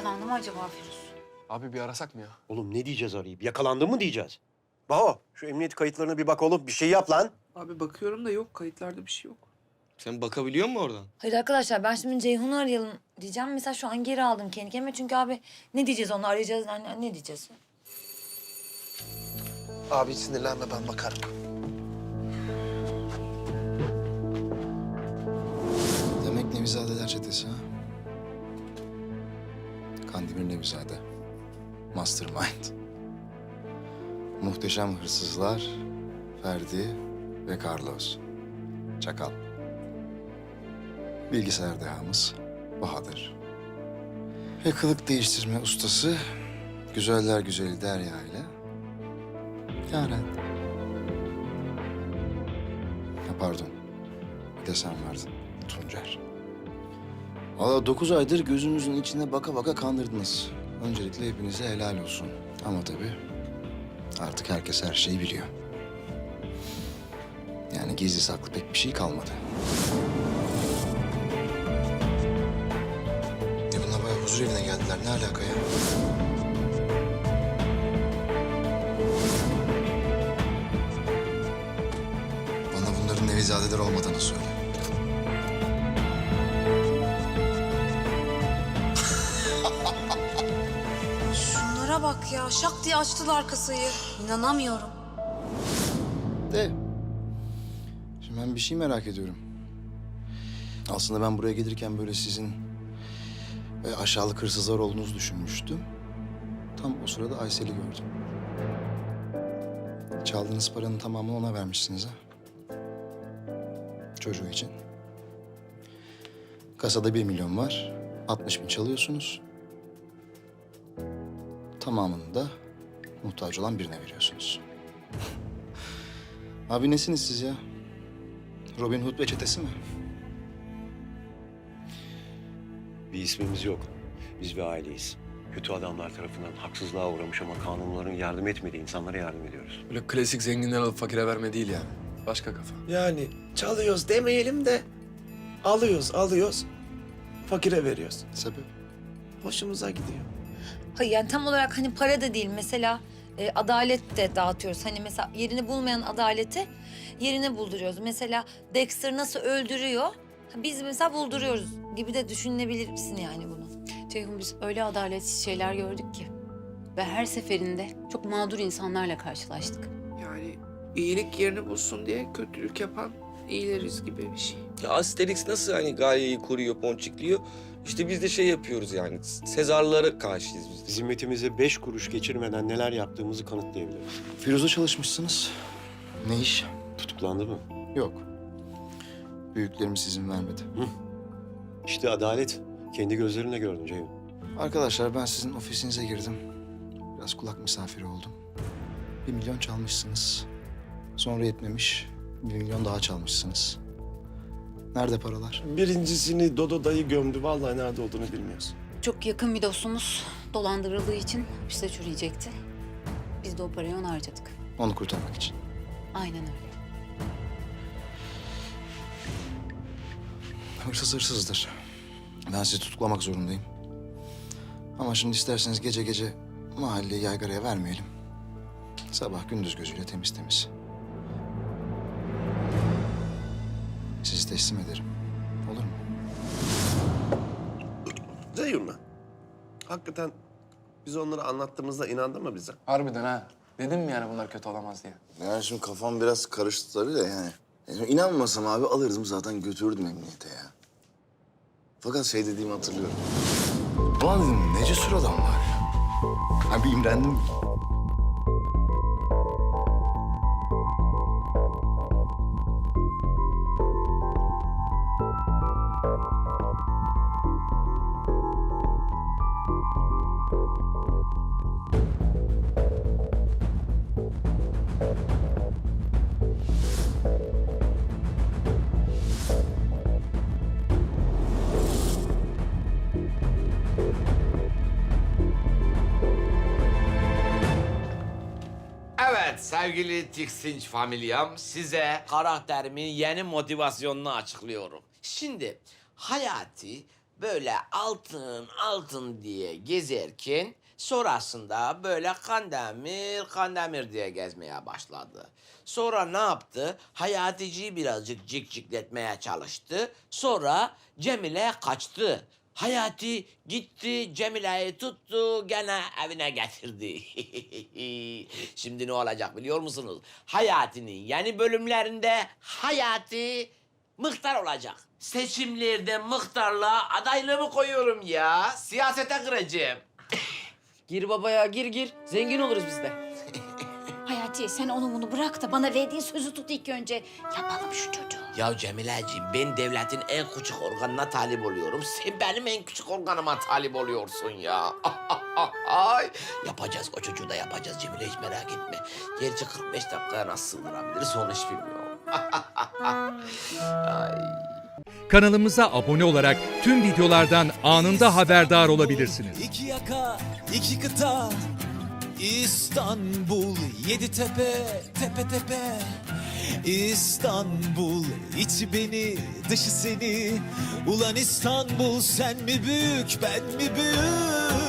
yakalandı mı acaba Firuz? Abi bir arasak mı ya? Oğlum ne diyeceğiz arayıp? Yakalandın mı diyeceğiz? Baho, şu emniyet kayıtlarına bir bak oğlum. Bir şey yap lan. Abi bakıyorum da yok. Kayıtlarda bir şey yok. Sen bakabiliyor musun oradan? Hayır arkadaşlar ben şimdi Ceyhun'u arayalım diyeceğim. Mesela şu an geri aldım kendi kendime. Çünkü abi ne diyeceğiz onu arayacağız. Ne diyeceğiz? Abi sinirlenme, ben bakarım. Demek Nevizadeler çetesi ha? Kandemir Nevizade. Mastermind. Muhteşem hırsızlar Ferdi ve Carlos. Çakal. Bilgisayar dehamız Bahadır. Ve kılık değiştirme ustası güzeller güzeli Derya ile Yaren. Ha, pardon. Bir de sen vardın. Tuncer. Valla 9 aydır gözümüzün içine baka baka kandırdınız. Öncelikle hepinize helal olsun. Ama tabii artık herkes her şeyi biliyor. Yani gizli saklı pek bir şey kalmadı. Bunlar bayağı huzur evine geldiler. Ne alaka ya? Bana bunların Nevizadeler olmadığını söyle. Şunlara bak ya. Şak diye açtılar kasayı. İnanamıyorum. De. Şimdi ben bir şey merak ediyorum. Aslında ben buraya gelirken böyle sizin aşağılık hırsızlar olduğunuzu düşünmüştüm. Tam o sırada Aysel'i gördüm. Çaldığınız paranın tamamını ona vermişsiniz ha. Çocuğu için. Kasada 1 milyon var. 60 bin çalıyorsunuz. Tamamını da muhtaç olan birine veriyorsunuz. Abi nesiniz siz ya? Robin Hood ve çetesi mi? Bir ismimiz yok. Biz bir aileyiz. Kötü adamlar tarafından haksızlığa uğramış ama kanunların yardım etmediği insanlara yardım ediyoruz. Böyle klasik zenginden alıp fakire verme değil yani. Başka kafa. Yani çalıyoruz demeyelim de alıyoruz, fakire veriyoruz. Sebep? Hoşumuza gidiyor. Hayır yani tam olarak hani para da değil. Mesela adalet de dağıtıyoruz. Hani mesela yerini bulmayan adaleti yerine bulduruyoruz. Mesela Dexter nasıl öldürüyor? Biz mesela bulduruyoruz gibi de düşünebilirsin yani bunu. Ceyhun biz öyle adaletsiz şeyler gördük ki. Ve her seferinde çok mağdur insanlarla karşılaştık. Yani iyilik yerini bulsun diye kötülük yapan iyileriz gibi bir şey. Ya Asterix nasıl hani Galya'yı koruyor, ponçikliyor? İşte biz de şey yapıyoruz yani. Sezarlara karşıyız biz de. Zimmetimize 5 kuruş geçirmeden neler yaptığımızı kanıtlayabiliriz. Firuz'a çalışmışsınız. Ne iş? Tutuklandı mı? Yok. Büyüklerimiz izin vermedi. İşte adalet. Kendi gözlerinle gördün Ceyhun. Arkadaşlar ben sizin ofisinize girdim. Biraz kulak misafiri oldum. 1 milyon çalmışsınız. Sonra yetmemiş. 1 milyon daha çalmışsınız. Nerede paralar? Birincisini Dodo dayı gömdü. Vallahi nerede olduğunu bilmiyoruz. Çok yakın bir dostumuz dolandırıldığı için hapiste çürüyecekti. Biz de o parayı ona harcadık. Onu kurtarmak için. Aynen öyle. Hırsız hırsızdır. Ben sizi tutuklamak zorundayım. Ama şimdi isterseniz gece gece mahalleyi yaygaraya vermeyelim. Sabah gündüz gözüyle temiz temiz. Sizi teslim ederim. Olur mu? Ceyhun mu? Hakikaten biz onları anlattığımızda inandı mı bize? Harbiden ha. Dedim mi yani bunlar kötü olamaz diye. Yani şimdi kafam biraz karıştı tabii de yani. İnanmasam abi alırdım zaten götürürdüm emniyete ya. Fakat şey dediğimi hatırlıyorum. Ulan dedim ne cesur adamlar ya. Ha bir imrendim. Evet sevgili Tiksinç familyam, size karakterimin yeni motivasyonunu açıklıyorum. Şimdi Hayati böyle altın diye gezerken sonrasında böyle Kandemir diye gezmeye başladı. Sonra ne yaptı? Hayaticiyi birazcık cikcikletmeye çalıştı. Sonra Cemile kaçtı. Hayati gitti, Cemile'yi tuttu, gene evine getirdi. Şimdi ne olacak biliyor musunuz? Hayati'nin yeni bölümlerinde Hayati muhtar olacak. Seçimlerde muhtarlığa adaylığımı koyuyorum ya. Siyasete gireceğim. Gir babaya gir. Zengin oluruz biz de. Hayati sen onu bunu bırak da bana verdiğin sözü tut ilk önce. Yapalım şu çocuğu. Ya Cemileciğim, ben devletin en küçük organına talip oluyorum. Sen benim en küçük organıma talip oluyorsun ya. Ay, yapacağız, o çocuğu da yapacağız Cemile, hiç merak etme. Gerçi 45 dakikaya nasıl sığdırabiliriz onu hiç bilmiyorum. Ay. Kanalımıza abone olarak tüm videolardan anında haberdar olabilirsiniz. İki yaka, iki kıta, İstanbul, yedi tepe, tepe tepe. İstanbul, içi beni, dışı seni. Ulan İstanbul, sen mi büyük, ben mi büyük?